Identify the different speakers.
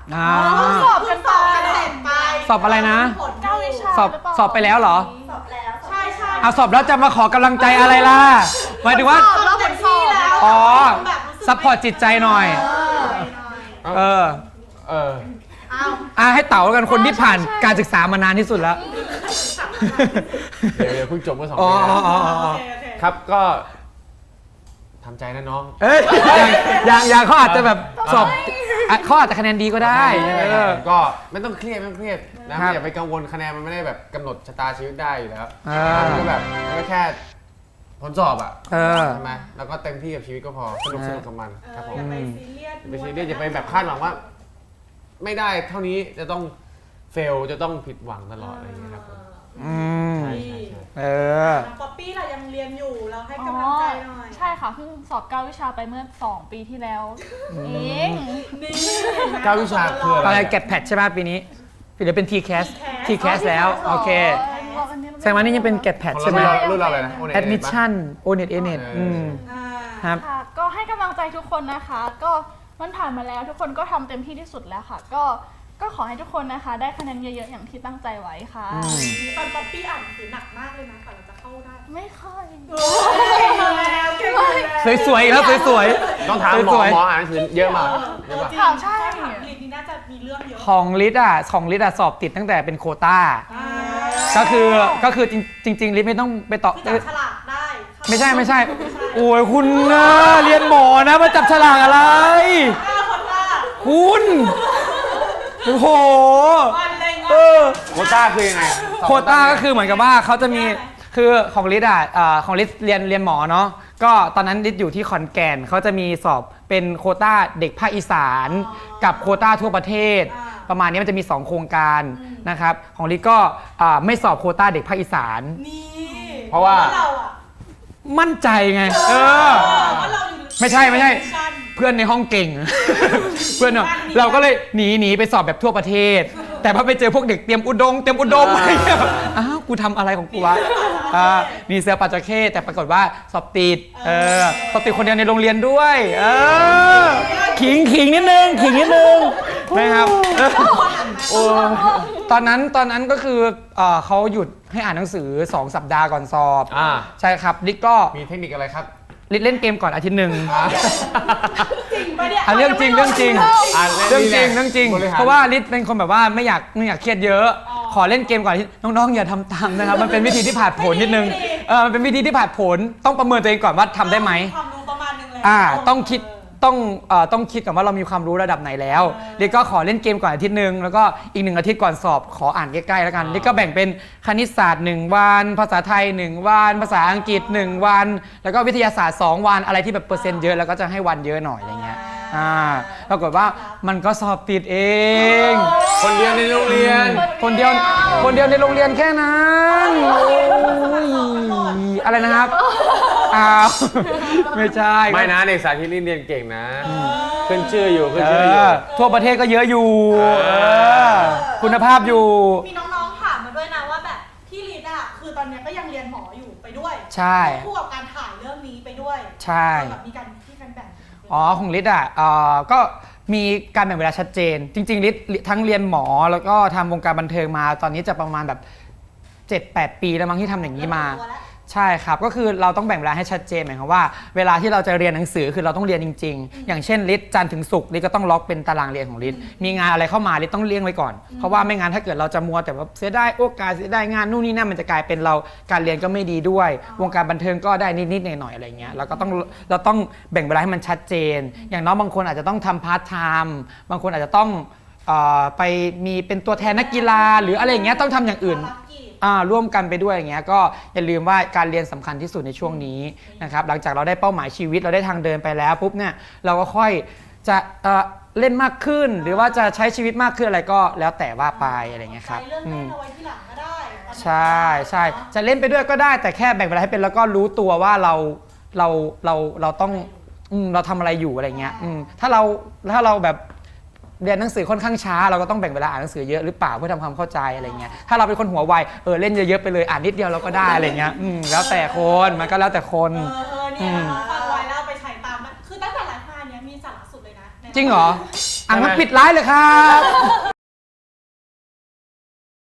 Speaker 1: สอบกันไป
Speaker 2: สอบอะไรนะ
Speaker 1: 9 วิชา
Speaker 2: สอบไปแล้วเหรอ
Speaker 1: สอบแล้วใช่
Speaker 2: เอาสอบแล้วจะมาขอกำลังใจอะไรล่ะหมายถึงว่า
Speaker 1: สอบเต็มที่แล้ว
Speaker 2: อ๋อซัพพอร์ตจิตใจหน่อยให้เต๋ากันคนที่ผ่านการศึกษามานานที่สุดแล้ว
Speaker 3: เดี๋ยวเพิ่งจบเมื่อ2 ปีครับก็ทำใจนะน้อง
Speaker 2: อย่างเขาอาจจะแบบสอบเขาอาจจะคะแนนดีก็ได้
Speaker 3: ก็ไม่ต้องเครียดนะอย่าไปกังวลคะแนนมันไม่ได้แบบกำหนดชะตาชีวิตได้อยู่แล้วมันก็แบบมันก็แค่ผลสอบอ่ะใช่ไหมแล้วก็เต็มที่กับชีวิตก็พอสนุกกับมันครับผม
Speaker 1: ไปซีเรียส
Speaker 3: อย่าไปแบบคาดหวังว่าไม่ได้เท่านี้จะต้องเฟลจะต้องผิดหวังตลอดอะไรอย่างเงี้ยครับใช่
Speaker 1: ป๊อปปี้เรายังเรียนอยู่เราให้กำลังใจหน่อย
Speaker 4: ใช่ค่ะเพิ่งสอบ9 วิชาไปเมื่อ2 ปีที่แล้วเอง
Speaker 3: 9 วิชาคือ
Speaker 2: อะไรแกดแพดใช่ไหมปีนี้หรือเป็น TCAS แล้วโอเคแสดงว่านี่ยังเป็นแกดแพดใช่ไหม
Speaker 3: รุ่นเราเลยนะ
Speaker 2: Admission ONET ANET ครับ
Speaker 4: ก็ให้กำลังใจทุกคนนะคะก็มันผ่านมาแล้วทุกคนก็ทำเต็มที่ที่สุดแล้วค่ะก็ขอให้ทุกคนนะคะได้คะแนนเยอะๆอย่างที่ตั้งใจไว้ค่ะ
Speaker 1: ตอนป๊อปปี้อ่านหนังสือหนักมากเลยนะก่อนเราจะเข้าได้
Speaker 4: ไม่ค่อย
Speaker 2: สวยๆแล้วสวย
Speaker 3: ๆต้องถามหมออ่านหนังสือเยอะมาก
Speaker 4: ใช่
Speaker 1: ลินนี่น่าจะมีเรื่องเยอะ
Speaker 2: ของลิศสอบติดตั้งแต่เป็นโควต้าก็คือจริงลิศไม่ต้องไปต่อ
Speaker 1: ฉลากได้
Speaker 2: ไม่ใช่โอ้ยคุณนะเรียนหมอนะมาจับฉลากอะไรคุณโอ้โห
Speaker 3: โควต้าคือยังไง
Speaker 2: โควต้าก็คือเหมือนกับว่าเขาจะมีคือของลิศของลิศเรียนหมอเนาะก็ตอนนั้นลิศอยู่ที่ขอนแก่นเขาจะมีสอบเป็นโควต้าเด็กภาคอีสานกับโควต้าทั่วประเทศประมาณนี้มันจะมี2โครงการนะครับของลิศก็ไม่สอบโควต้าเด็กภาคอีสาน
Speaker 3: เพราะว่า
Speaker 2: มั่นใจไงไม่ใช่เพื่อนในห้องเก่งเพื่อนเราก็เลยหนีไปสอบแบบทั่วประเทศแต่พอไปเจอพวกเด็กเตรียมอุดมอะไรเงี้ยอ้าวกูทำอะไรของกูวะมีเสือปัจจเข้แต่ปรากฏว่าสอบติดสอบติดคนเดียวในโรงเรียนด้วยขิงนิดนึงนะครับตอนนั้นก็คือเขาหยุดให้อ่านหนังสือ2 สัปดาห์ก่อนสอบใช่ครับลิศก็
Speaker 3: มีเทคนิคอะไรครับ
Speaker 2: ลิศเล่นเกมก่อนอาทิตย์หนึ่ง
Speaker 1: จริงปะเนี่ย
Speaker 2: เรื่องจริงเพราะว่าลิศเป็นคนแบบว่าไม่อยากเครียดเยอะขอเล่นเกมก่อนน้องๆอย่าทำตามนะครับมันเป็นวิธีที่ผ่านผลนิดนึงมันเป็นวิธีที่ผ่านผลต้องประเมินตัวเองก่อนว่าทำได้ไหม
Speaker 1: ความรู้ประมาณนึงเลย
Speaker 2: ต้องคิดก่อนว่าเรามีความรู้ระดับไหนแล้วลิศก็ขอเล่นเกมก่อนอาทิตย์นึงแล้วก็อีก1 อาทิตย์ก่อนสอบขออ่านใกล้ๆแล้วกันลิศก็แบ่งเป็นคณิตศาสตร์1 วันภาษาไทย1 วันภาษาอังกฤษ1 วันแล้วก็วิทยาศาสตร์2 วันอะไรที่แบบเปอร์เซ็นต์เยอะแล้วก็จะให้วันเยอะหน่อยอะไรเงี้ยปรากฏว่ามันก็สอบติดเอง
Speaker 3: คนเดียวในโรงเรียน
Speaker 2: คนเดียวในโรงเรียนแค่นั้นอะไรนะครับไม่ใช่
Speaker 3: ไม่นะเด็กสาธิตเรียนเก่งนะขึ้นชื่ออยู่
Speaker 2: ทั่วประเทศก็เยอะอยู่คุณภาพอยู่
Speaker 1: มีน้องๆถามมาด้วยนะว่าแบบที่ลิศคือตอนนี้ก็ยังเรียนหมออยู่ไปด้วย
Speaker 2: ใช่
Speaker 1: คู่กับการถ่ายเรื่องนี้ไปด้วย
Speaker 2: ใช่
Speaker 1: แบบมีการแบ่ง
Speaker 2: ของลิศก็มีการแบ่งเวลาชัดเจนจริงๆลิศทั้งเรียนหมอแล้วก็ทำวงการบันเทิงมาตอนนี้จะประมาณแบบ 7-8 ปีแล้วมั้งที่ทำอย่างนี้มาใช่ครับก็คือเราต้องแบ่งเวลาให้ชัดเจนหมายความว่าเวลาที่เราจะเรียนหนังสือคือเราต้องเรียนจริงๆอย่างเช่นลิศจันทร์ถึงศุกร์ลิศก็ต้องล็อกเป็นตารางเรียนของลิศมีงานอะไรเข้ามาลิศต้องเลี่ยงไว้ก่อนเพราะว่าไม่งั้นถ้าเกิดเราจะมัวแต่ว่าเสียได้โอกาสเสียได้งานนู่นนี่นั่นมันจะกลายเป็นเราการเรียนก็ไม่ดีด้วยวงการบันเทิงก็ได้นิดๆหน่อยๆอะไรเงี้ยเราต้องแบ่งเวลาให้มันชัดเจนอย่างน้องบางคนอาจจะต้องทำพาร์ทไทม์บางคนอาจจะต้องไปมีเป็นตัวแทนนักกีฬาหรืออะไรอย่างเงี้ยต้องทำอย่างอื่นร่วมกันไปด้วยอย่างเงี้ยก็อย่าลืมว่าการเรียนสำคัญที่สุดในช่วงนี้นะครับหลังจากเราได้เป้าหมายชีวิตเราได้ทางเดินไปแล้วปุ๊บเนี่ยเราก็ค่อยจะเล่นมากขึ้นหรือว่าจะใช้ชีวิตมากขึ้นอะไรก็แล้วแต่ว่าไปอะไรเงี้ยครับ
Speaker 1: เรื่องเล่นเอาไว้ที่หลังก็ได้
Speaker 2: ใช่จะเล่นไปด้วยก็ได้แต่แค่แบ่งเวลาให้เป็นแล้วก็รู้ตัวว่าเราต้องเราทำอะไรอยู่อะไรเงี้ยถ้าเราแบบเรียนหนังสือค่อนข้างช้าเราก็ต้องแบ่งเวลาอ่านหนังสือเยอะหรือเปล่าเพื่อทำความเข้าใจอะไรเงี้ยถ้าเราเป็นคนหัวไวเล่นเยอะๆไปเลยอ่านนิดเดียวเราก็ได้อะไรเงี้ยแล้วแต่คนมันก็แล้วแต่คน
Speaker 1: เนี่ยฟังไว้แล้วไปใช้ตามคือตั้งแต่ไลฟ์มาเนี้ยมีสาระสุดเลยนะ
Speaker 2: จริงเหรองั้นปิดไลฟ์เลยครับ